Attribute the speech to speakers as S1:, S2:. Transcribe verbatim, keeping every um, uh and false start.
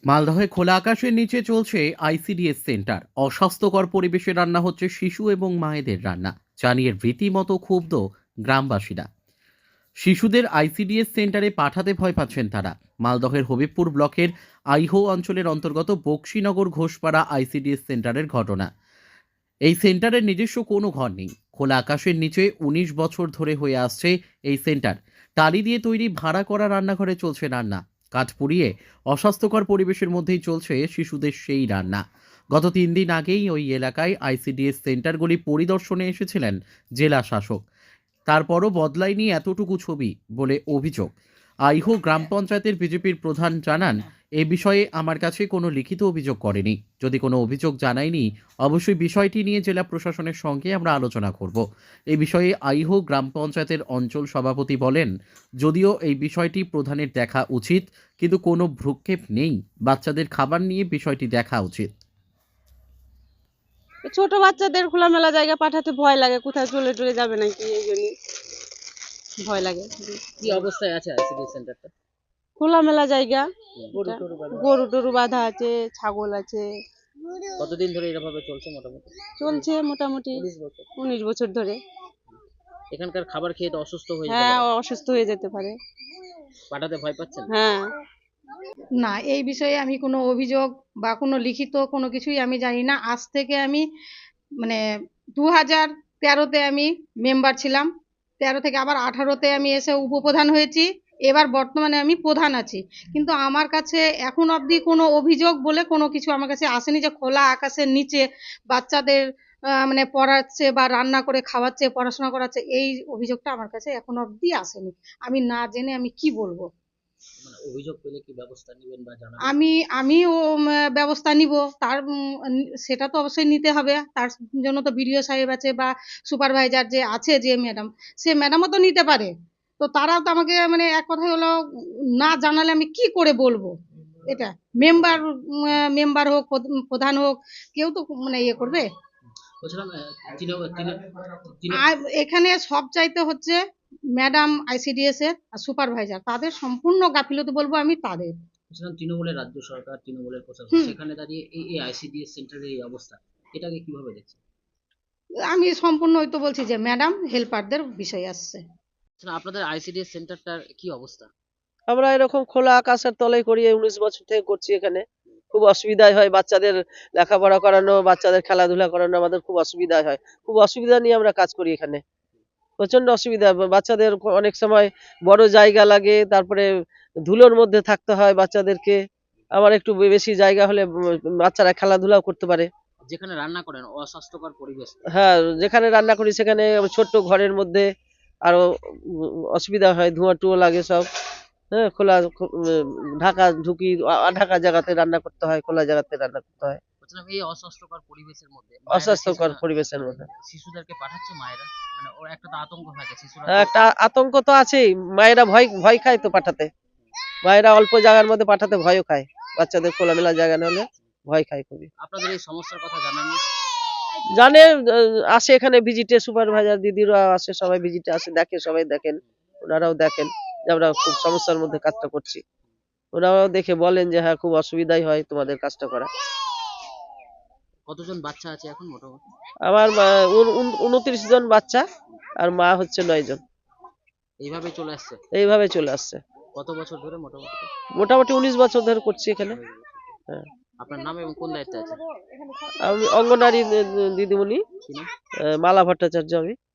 S1: মালদহে খোলা আকাশের নিচে চলছে আইসিডিএস সেন্টার। অস্বাস্থ্যকর পরিবেশে রান্না হচ্ছে শিশু এবং মায়েদের রান্না, জানিয়ে রীতিমতো ক্ষুব্ধ গ্রামবাসীরা। শিশুদের আইসিডিএস সেন্টারে পাঠাতে ভয় পাচ্ছেন তারা। মালদহের হবিবপুর ব্লকের আইহো অঞ্চলের অন্তর্গত বক্সিনগর ঘোষপাড়া আইসিডিএস সেন্টারের ঘটনা। এই সেন্টারের নিজস্ব কোনো ঘর নেই। খোলা আকাশের নিচে উনিশ বছর ধরে হয়ে আসছে এই সেন্টার। টালি দিয়ে তৈরি ভাড়া করা রান্নাঘরে চলছে রান্না। কাঠ পুড়িয়ে অস্বাস্থ্যকর পরিবেশের মধ্যেই চলছে শিশুদের সেই রান্না। গত তিন দিন আগেই ওই এলাকায় আইসিডিএস সেন্টারগুলি পরিদর্শনে এসেছিলেন জেলা শাসক। তারপরও বদলায়নি এতটুকু ছবি বলে অভিযোগ। আইহো গ্রাম পঞ্চায়েতের বিজেপির প্রধান জানান, এ বিষয়ে আমার কাছে কোনো লিখিত অভিযোগ করেনি। যদি কোনো অভিযোগ জানায়নি, অবশ্যই বিষয়টি নিয়ে জেলা প্রশাসনের সঙ্গে আমরা আলোচনা করব। এই বিষয়ে আইহো গ্রাম পঞ্চায়েতের অঞ্চল সভাপতি বলেন, যদিও এই বিষয়টি প্রধানের দেখা উচিত, কিন্তু কোনো ভ্রুক্ষেপ নেই। বাচ্চাদের খাবার নিয়ে বিষয়টি দেখা উচিত।
S2: ছোট বাচ্চাদের খোলামেলা জায়গা পাঠাতে ভয় লাগে, কোথায় চলে টলে যাবে নাকি, এই জন্য ভয় লাগে।
S3: কি অবস্থায় আছে আইসিডি সেন্টারটা?
S2: খোলামেলা জায়গা,
S3: গরু
S2: এটা
S3: টরু বাঁধা?
S2: গরু টরু বাঁধা আছে, ছাগল আছে।
S3: কতদিন ধরে এরভাবে চলছে মোটামুটি?
S2: চলছে মোটামুটি
S3: উনিশ বছর।
S2: উনিশ বছর ধরে।
S3: এখানকার খাবার খেয়ে তো অসুস্থ হয়ে যেতে
S2: হ্যাঁ,
S3: পারে।
S2: অসুস্থ হয়ে যেতে পারে।
S3: পাঠাতে ভয় পাচ্ছেন?
S2: হ্যাঁ,
S4: না, এই বিষয়ে আমি কোনো অভিযোগ বা কোনো লিখিত কোনো কিছুই আমি জানি না। আজ থেকে আমি মানে দু হাজার তেরোতে আমি মেম্বার ছিলাম, তেরো থেকে আবার আঠারোতে আমি এসে উপপ্রধান হয়েছি, এবার বর্তমানে আমি প্রধান আছি। কিন্তু আমার কাছে এখন অবধি কোনো অভিযোগ বলে কোনো কিছু আমার কাছে আসেনি যে খোলা আকাশের নিচে বাচ্চাদের আহ, মানে পড়াচ্ছে বা রান্না করে খাওয়াচ্ছে, পড়াশোনা করাচ্ছে, এই অভিযোগটা আমার কাছে এখন অবধি আসেনি। আমি না জেনে আমি কি বলবো।
S3: মানে অভিযোগ পেলে কি ব্যবস্থা নেবেন বা জানাবেন?
S4: আমি আমিও উম, ব্যবস্থা নিব, তার উম, সেটা তো অবশ্যই নিতে হবে। তার জন্য তো বিডিও সাহেব আছে বা সুপারভাইজার যে আছে, যে ম্যাডাম, সে ম্যাডামও তো নিতে পারে। তো তারাও তো আমাকে মানে এক কথা হলো, না জানালে আমি কি করে বলবো। এটা মেম্বার মেম্বার হোক, প্রধ- প্রধান হোক, কেউ তো মানে ইয়ে করবে।
S3: বলছিলাম আহ, তৃণ- তৃণ- তৃণ-
S4: আর এখানে সব চাইতে হচ্ছে ম্যাডাম আইসিডিএস এর আর সুপারভাইজার, তাদের সম্পূর্ণ গাফিলতি বলবো আমি তাদের।
S3: বলছিলাম তৃণমূলের রাজ্য সরকার, তৃণমূলের প্রশাসন,
S4: হুম।
S3: সেখানে দাঁড়িয়ে এই এই আইসিডিএস সেন্টারের এই অবস্থা, এটাকে কিভাবে দেখছেন?
S4: আমি সম্পূর্ণ ওই তো বলছি যে ম্যাডাম হেল্পারদের বিষয় আসছে।
S3: আচ্ছা, আপনাদের আইসিডিএস সেন্টারটার কি অবস্থা?
S5: আমরা এরকম খোলা আকাশের তলায় করি, এই উনিশ বছর থেকে করছি এখানে। খুব অসুবিধাই হয়, বাচ্চাদের লেখাপড়া করানো, বাচ্চাদের খেলাধুলা করানো আমাদের খুব অসুবিধা হয়। খুব অসুবিধা নিয়ে আমরা কাজ করি এখানে, প্রচন্ড অসুবিধা। বাচ্চাদের অনেক সময় বড় জায়গা লাগে, তারপরে ধুলোর মধ্যে থাকতে হয় বাচ্চাদেরকে। আবার একটু বেশি জায়গা হলে উম, বাচ্চারা খেলাধুলাও করতে পারে।
S3: যেখানে রান্না করেন অস্বাস্থ্যকর পরিবেশ।
S5: হ্যাঁ, যেখানে রান্না করি সেখানে ছোট্ট ঘরের মধ্যে আরো উম, অসুবিধা হয়, ধোঁয়া টুয়ো লাগে সব। হ্যাঁ, খোলা খো- উম, ঢাকা ঢুকি আ- ঢাকা জায়গাতে রান্না করতে হয়, খোলা জায়গাতে রান্না করতে হয়,
S3: বলছিলাম এই অস্বাস্থ্যকর পরিবেশের মধ্যে মায়েরা
S5: অস্বাস্থ্যকর
S3: শিশু-
S5: পরিবেশের মধ্যে।
S3: শিশুদেরকে পাঠাচ্ছে মায়েরা, মানে ওর একটা তো আতঙ্ক থাকে শিশুরা।
S5: হ্যাঁ, একটা আতঙ্ক তো আছেই। মায়েরা ভয় ভয় খায় তো পাঠাতে। মায়েরা অল্প জায়গার মধ্যে পাঠাতে ভয়ও খায়, বাচ্চাদের খোলামেলা জায়গা না হলে ভয় খায় খুবই।
S3: আপনাদের এই সমস্যার কথা জানাননি?
S5: জানে, আহ, আসে এখানে ভিজিটে, সুপারভাইজার দিদিরা আসে, সবাই ভিজিটে আসে, দেখে, সবাই দেখেন, ওনারাও দেখেন যে আমরা খুব সমস্যার মধ্যে কাজটা করছি। ওনারাও দেখে বলেন যে হ্যাঁ, খুব অসুবিধাই হয় তোমাদের কাজটা করা।
S3: কতজন বাচ্চা আছে এখন মোটামুটি?
S5: আমার মা- উন- উন- উনত্রিশ জন বাচ্চা, আর মা হচ্ছে নয় জন।
S3: এইভাবে চলে আসছে
S5: এইভাবে চলে আসছে।
S3: কত বছর ধরে মোটামুটি?
S5: মোটামুটি উনিশ বছর ধরে করছি এখানে। হ্যাঁ।
S3: আপনার নাম এবং কোন দায়িত্বে আছে?
S5: আমি অঙ্গনারী দিদিমণি,
S3: কি নাম?
S5: আহ, মালা ভট্টাচার্য আমি।